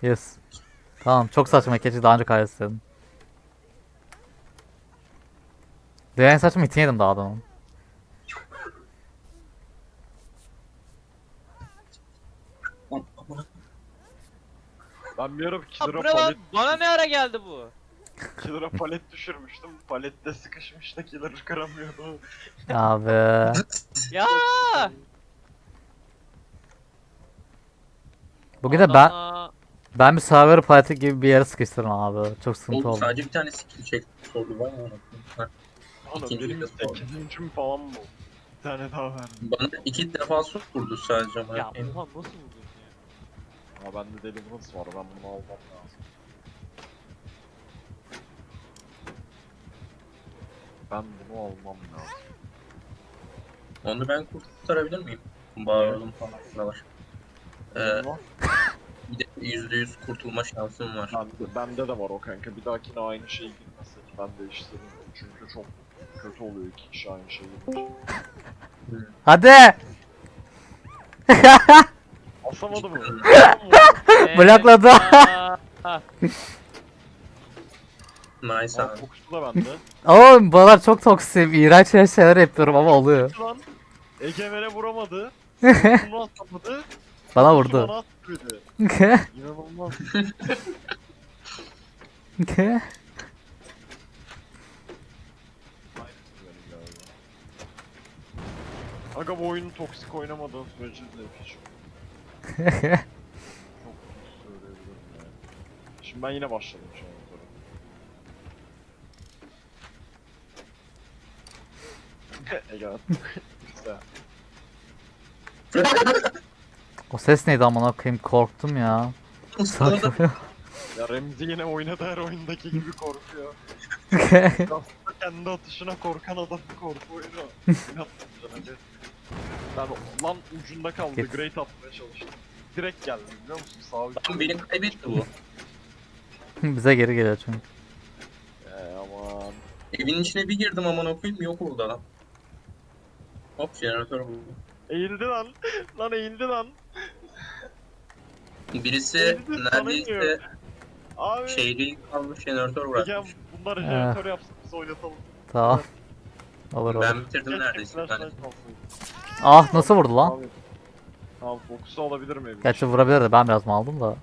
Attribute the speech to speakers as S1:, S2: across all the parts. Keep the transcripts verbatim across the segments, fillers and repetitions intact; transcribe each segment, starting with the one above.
S1: Yes. Tamam çok saçma keçi daha önce kaydetsin. Diğer saçma itin yedim daha adamın.
S2: Ben bir ara
S3: Aa,
S2: iki lira
S3: bu ne lan?
S2: palet,
S3: Bana ne ara geldi bu?
S2: iki lira palet düşürmüştüm. Palette sıkışmış da iki lira kıramıyordu.
S1: Abi.
S3: Ya!
S1: Bugün de ben
S3: Adama...
S1: ben bir server parti gibi bir yere sıkıştırdım abi. Çok sıkıntı
S4: Oğlum
S1: oldu.
S4: sadece bir tane skill check sordu var mı? Ha,
S2: Oğlum
S4: İkinciyi
S2: benim
S4: de sordu.
S2: sekizincim falan mı oldu? Bir tane daha verdim.
S4: Bana iki defa sordu sadece ama.
S3: Ya oha nasıl buldun ya?
S2: Aa bende Deliverance var, ben bunu almam lazım. Ben bunu almam lazım.
S4: Onu ben kurtarabilir miyim? Bağıralım falan buralar. Ee,
S2: Benim var.
S4: bir de yüzde yüz kurtulma şansım var.
S2: Bende, bende de var o kanka. Bir dahakine aynı şey girmesek ben değiştiririm. Çünkü çok kötü oluyor iki kişi aynı şey girince.
S1: Hadi.
S2: Asamadı mı?
S1: Blokladı.
S3: Aa,
S4: Nice
S2: Aa,
S4: abi.
S2: kokusu da bende.
S1: Oğlum buralar çok toksik. İğrenç şeyler yapıyorum ama oluyor.
S2: Lan Egemen'e vuramadı. Bunu atamadı.
S1: Bana
S2: Kokusu
S1: vurdu.
S2: Bana attı. İnanılmaz. Benim galiba. Aga bu oyunu toksik oynamadığın sürece de hiç çok söyleyebilirim ya. Şimdi ben yine başladım şu an sonra. Ege attı. Güzel.
S1: O ses neydi amına koyayım korktum ya.
S4: Ustaladı.
S2: Ya Remzi yine oynadı her oyundaki gibi korkuyor. Aslında kendi atışına korkan adam korku oyunu. İnatmışlar hadi. Ben lan ucunda kaldı.
S1: Git.
S2: Great atmaya çalıştım. Direkt geldi biliyor musun? Sağ uç.
S4: Lan beni kaybetti bu.
S1: Bize geri geliyor çünkü.
S2: Eee aman.
S4: Evin içine bir girdim aman okuyayım yok oldu adam. Hop jeneratör buldu.
S2: Eğildi lan. Lan eğildi lan.
S4: Birisi
S2: Eğildi, sana
S4: neredeyse
S2: iniyor. Abi.
S4: şehri kalmış jeneratör
S2: Ege
S4: bırakmış.
S2: bunlar jeneratör yapsın biz oynatalım.
S1: Tamam. Olur olur.
S4: Ben bitirdim
S2: Keşke
S4: neredeyse.
S2: flashlight
S4: Yani.
S2: alsaydım.
S1: Ah nasıl vurdu lan?
S2: Abi. Tamam fokusu alabilir miyim?
S1: Gerçi vurabilirdi ben biraz mal aldım da.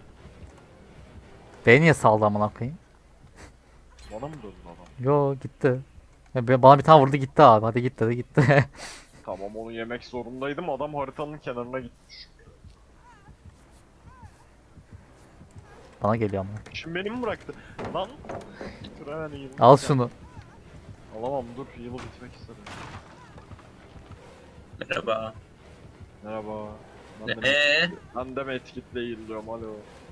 S1: Beni niye saldı amına koyayım?
S2: Bana mı döndü adam?
S1: Yo gitti. Ya be- bana bir tane vurdu gitti abi. Hadi git dedi gitti.
S2: Tamam onu yemek zorundaydım. Adam haritanın kenarına gitmiş.
S1: Bana geliyor ama.
S2: Şimdi beni mi bıraktı? Lan! Dur hemen heal'ı
S1: Al
S2: biteceğim.
S1: şunu.
S2: Alamam dur heal'ı bitmek istedim.
S4: Merhaba.
S2: Merhaba. Ben de,
S4: Eee?
S2: ben de mi etkitle heal'lıyorum alo.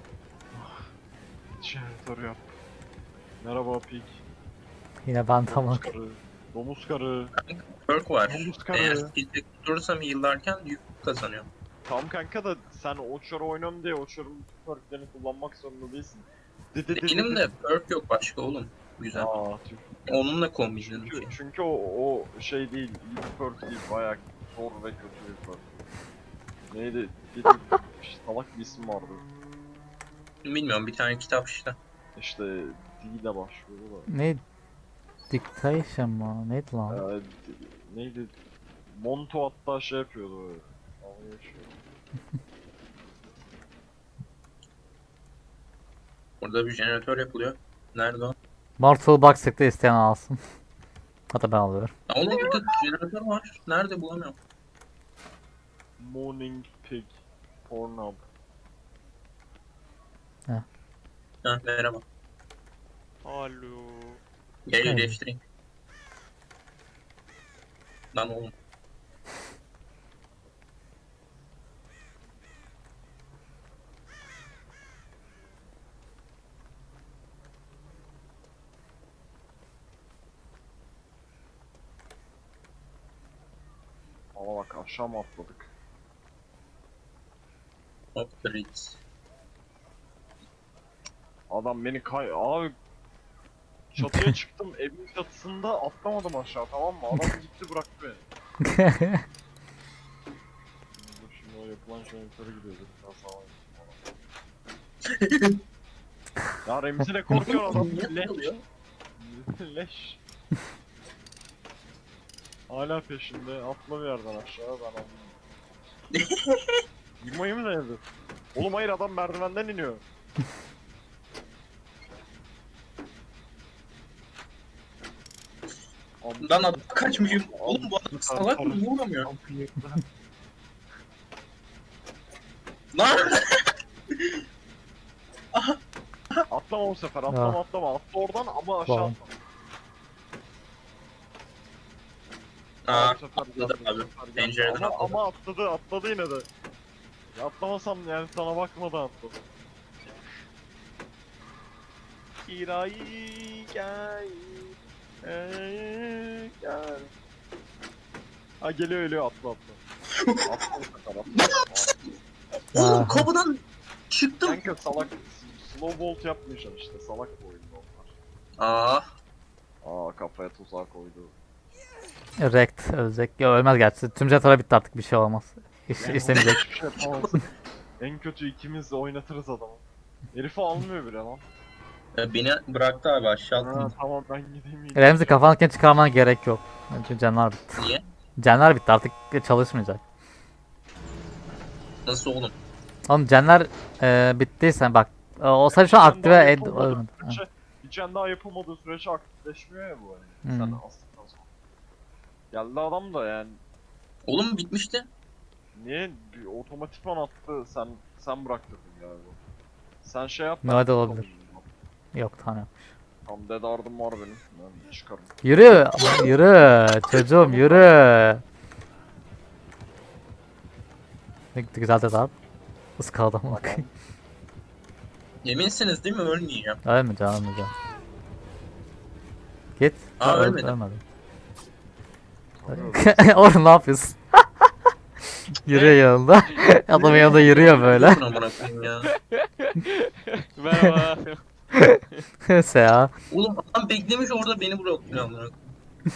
S2: Jeneratör yap. Merhaba Pig.
S1: Yine ben
S2: Domuz
S1: tamam.
S2: karı. Domuz karı.
S4: Perk var.
S2: Domuz
S4: Eğer
S2: karı.
S4: skill check tutursam heal'larken yük kazanıyor.
S2: Tamam kanka da sen Oçar'ı oynuyorum diye Oçar'ın bütün perklerini kullanmak zorunda değilsin. Di di di di
S4: Benim
S2: di.
S4: de perk yok başka oğlum. Güzel.
S2: Aa tüh.
S4: Onunla kombinledim
S2: Çünkü,
S4: şey.
S2: çünkü o, o şey değil, iyi bir perk değil, bayağı zor ve kötü bir perk. Neydi? Bir, bir salak bir isim vardı.
S4: Bilmiyorum bir tane kitap işte.
S2: İşte D ile başlıyordu da.
S1: Ne? Dictation mı? Neydi lan?
S2: Ee, d- neydi? Monto hatta şey yapıyordu böyle. Dalga geçiyordu.
S4: Burada bir jeneratör yapılıyor. Nerede o?
S1: Mortal Box çıktı isteyen alsın. Hatta ben alıyorum.
S4: Aa, oğlum burada jeneratör var. Nerede bulamıyorum.
S2: Morning Pig. Pornhub.
S4: Ha merhaba.
S3: alo.
S4: Gel
S1: Evet.
S4: iyileştireyim. Lan oğlum.
S2: Ama bak aşağı mı atladık?
S4: Hop Fritz.
S2: Adam beni kay... Abi... Çatıya çıktım, evin çatısında atlamadım aşağı tamam mı? Adam gitti bıraktı beni. Dur şimdi o yapılan jeneratörü gidiyordur. Biraz daha var. Ya Remzi ne korkuyor adam.
S4: Niye
S2: Leş.
S4: oluyor?
S2: Leş. Hala peşinde. Atla bir yerden aşağı ben anlamadım. Yırmayı mı denedi? Oğlum hayır adam merdivenden iniyor.
S4: Lan adam kaçmışım. Oğlum bu adam salak mı? Vuramıyor. Lan!
S2: Atlama bu sefer atlama
S1: Ah.
S2: atlama. Atla oradan ama aşağı
S1: Tamam.
S2: atla.
S4: Aa,
S2: Bu sefer
S4: atladı
S2: geldi, bu
S4: abi.
S2: sefer geldi.
S4: Pencereden
S2: ama,
S4: atladı.
S2: ama atladı atladı yine de. Ya atlamasam yani sana bakmadan atladı. Kirai gel. Ey, gel. Ha geliyor geliyor atla atla. Atla bu sefer atla.
S4: Oğlum
S1: Aha.
S4: kapıdan çıktım.
S2: Kanka salak slow bolt yapmayacaksın işte salak bu oyunda onlar.
S4: Aa,
S2: Aa kafaya tuzak koydu.
S1: Rekt ölecek. Ya ölmez gerçi. Tüm jetara bitti artık bir şey olmaz. İş,
S2: Yani
S1: istemeyecek.
S2: hiçbir şey yapamazsın. En kötü ikimiz de oynatırız adamı. Herifi almıyor bile lan.
S4: e, beni bıraktı abi aşağı
S2: Ha,
S4: attım.
S2: tamam ben gideyim. iyi.
S1: Remzi kafandakini çıkarmana gerek yok. Çünkü canlar bitti.
S4: Niye?
S1: Canlar bitti artık çalışmayacak.
S4: Nasıl oğlum?
S1: Oğlum canlar e, bittiyse bak. E, o sadece şu an
S2: Bir can
S1: aktive
S2: daha
S1: ed...
S2: yapılmadığı
S1: ölmedi. Ha.
S2: sürece- Bir can daha yapılmadığı sürece aktifleşmiyor ya bu hani. Sen
S1: Hmm.
S2: astıktan sonra. Geldi adam da yani.
S4: Oğlum bitmişti.
S2: Niye bir otomatikman attı sen sen bıraktırdın galiba. Sen şey yap.
S1: Ne
S2: ben
S1: de
S2: tutalım.
S1: olabilir. Yok tamam.
S2: Tam dead ardım var benim. Ben çıkarım.
S1: Yürü. Yürü. Çocuğum yürü. Ne güzel de abi. Iskaladım bak.
S4: Eminsiniz değil mi? Ölmeyeceğim.
S1: Ölmeyeceğim ölmeyeceğim. Git.
S4: Aa,
S1: Ha, öl-
S4: ölmedim.
S1: Ölmedim.
S2: Ölüyorum.
S1: Oğlum ne yapıyorsun? Yürüyor yanında. Adamın yanında yürüyor böyle.
S4: Dur amına koyayım ya.
S3: Merhaba.
S1: Seha.
S4: Oğlum adam beklemiş orada beni bırakıyor amına koyayım.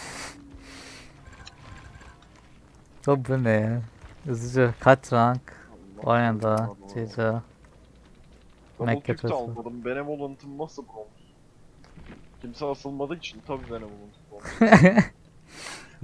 S1: O bu ne ya? Üzücü. Kaç rank?
S2: Allah
S1: Oynadı.
S2: Allah.
S1: Cici.
S2: Double
S1: Mekke
S2: kick de
S1: çocuğu.
S2: almadım. Benevolent'ım nasıl bronz? Kimse asılmadığı için tabii Benevolent bronz.